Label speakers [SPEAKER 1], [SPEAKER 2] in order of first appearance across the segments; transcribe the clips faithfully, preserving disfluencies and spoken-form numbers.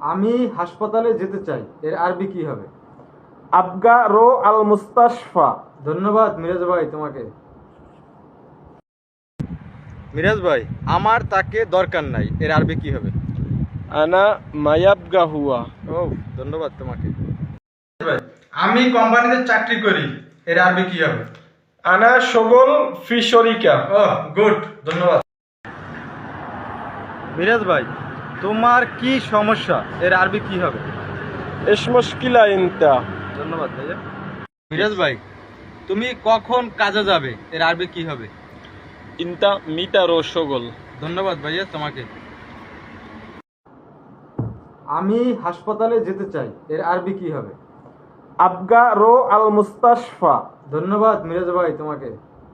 [SPEAKER 1] আমি হাসপাতালে যেতে চাই, এর আরবি কি হবে?
[SPEAKER 2] আবগা রো আল মুস্তাশফা।
[SPEAKER 1] ধন্যবাদ মিরাজ ভাই তোমাকে। মিরাজ ভাই, আমার তাকে দরকার নাই, এর আরবি কি হবে?
[SPEAKER 2] আনা মায়াবগা হুয়া।
[SPEAKER 1] ও, ধন্যবাদ তোমাকে। ভাই, আমি কোম্পানিতে চাকরি করি, এর আরবি কি হবে?
[SPEAKER 2] আনা শগল ফি শরিকা।
[SPEAKER 1] ও, গুড, ধন্যবাদ। মিরাজ ভাই, তোমার কি সমস্যা, এর আরবি কি হবে?
[SPEAKER 2] এস মুশকিলা ইনতা।
[SPEAKER 1] ধন্যবাদ ভাইয়া। মিরাজ ভাই, তুমি কখন কাজে যাবে, এর আরবি কি হবে?
[SPEAKER 2] ইনতা মিতা রো শগল।
[SPEAKER 1] ধন্যবাদ ভাইয়া তোমাকে। আমি হাসপাতালে যেতে চাই, এর আরবি কি হবে?
[SPEAKER 2] আবগা রো আল মুস্তাশফা।
[SPEAKER 1] ধন্যবাদ মিরাজ ভাই তোমাকে।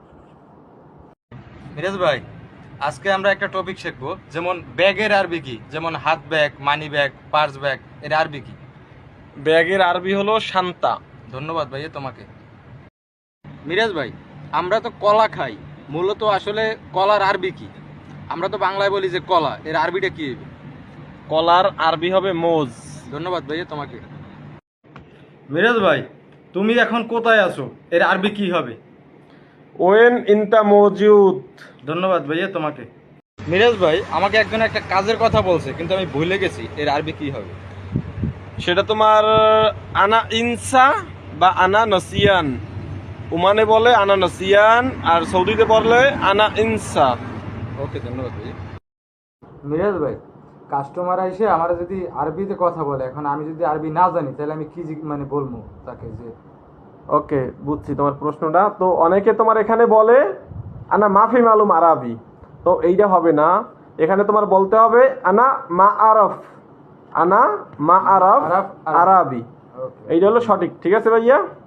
[SPEAKER 1] মিরাজ ভাই, আজকে আমরা একটা টপিক শিখবো, যেমন ব্যাগের আরবি কি, যেমন হাত bag, money bag, purse bag, এর আরবি কি?
[SPEAKER 2] ব্যাগের আরবি হলো শান্তা।
[SPEAKER 1] ধন্যবাদ ভাইয়া তোমাকে। মিরাজ ভাই, আমরা তো কলা খাই, মূলত আসলে কলার আরবি কি? আমরা তো বাংলায় বলি যে কলা, এর আরবিটা কি হবে?
[SPEAKER 2] কলার আরবি হবে মোজ।
[SPEAKER 1] ধন্যবাদ ভাইয়া তোমাকে। মিরাজ ভাই, তুমি এখন কোথায় আছো, এর আরবি কি হবে?
[SPEAKER 2] ওয়েন ইনতা মওজুদ।
[SPEAKER 1] ধন্যবাদ ভাইয়া তোমাকে। মিরাজ ভাই, আমাকে একজন একটা কাজের কথা বলছে, কিন্তু আমি ভুলে গেছি, এর আরবি কি হবে?
[SPEAKER 2] সেটা তোমার আনা ইনসা বা আনা নসিয়ান। ওমানে বলে আনা নসিয়ান, আর সৌদিতে বললে আনা ইনসা।
[SPEAKER 1] ওকে, ধন্যবাদ ভাই। মিরাজ ভাই, কাস্টমার এসে আমার যদি আরবিতে কথা বলে, এখন আমি যদি আরবি না জানি, তাহলে আমি কি জি- মানে বলবো তাকে যে?
[SPEAKER 2] ওকে, বুঝছি তোমার প্রশ্নটা। তো অনেকে তোমার এখানে বলে আনা মাফি মালুম আরাবি, তো এইটা হবে না। এখানে তোমার বলতে হবে আনা মা আরফ। আনা মা আরফ
[SPEAKER 1] আরফ
[SPEAKER 2] আরাবি।
[SPEAKER 1] ওকে।
[SPEAKER 2] এইটা হলো সঠিক। ঠিক আছে ভাইয়া?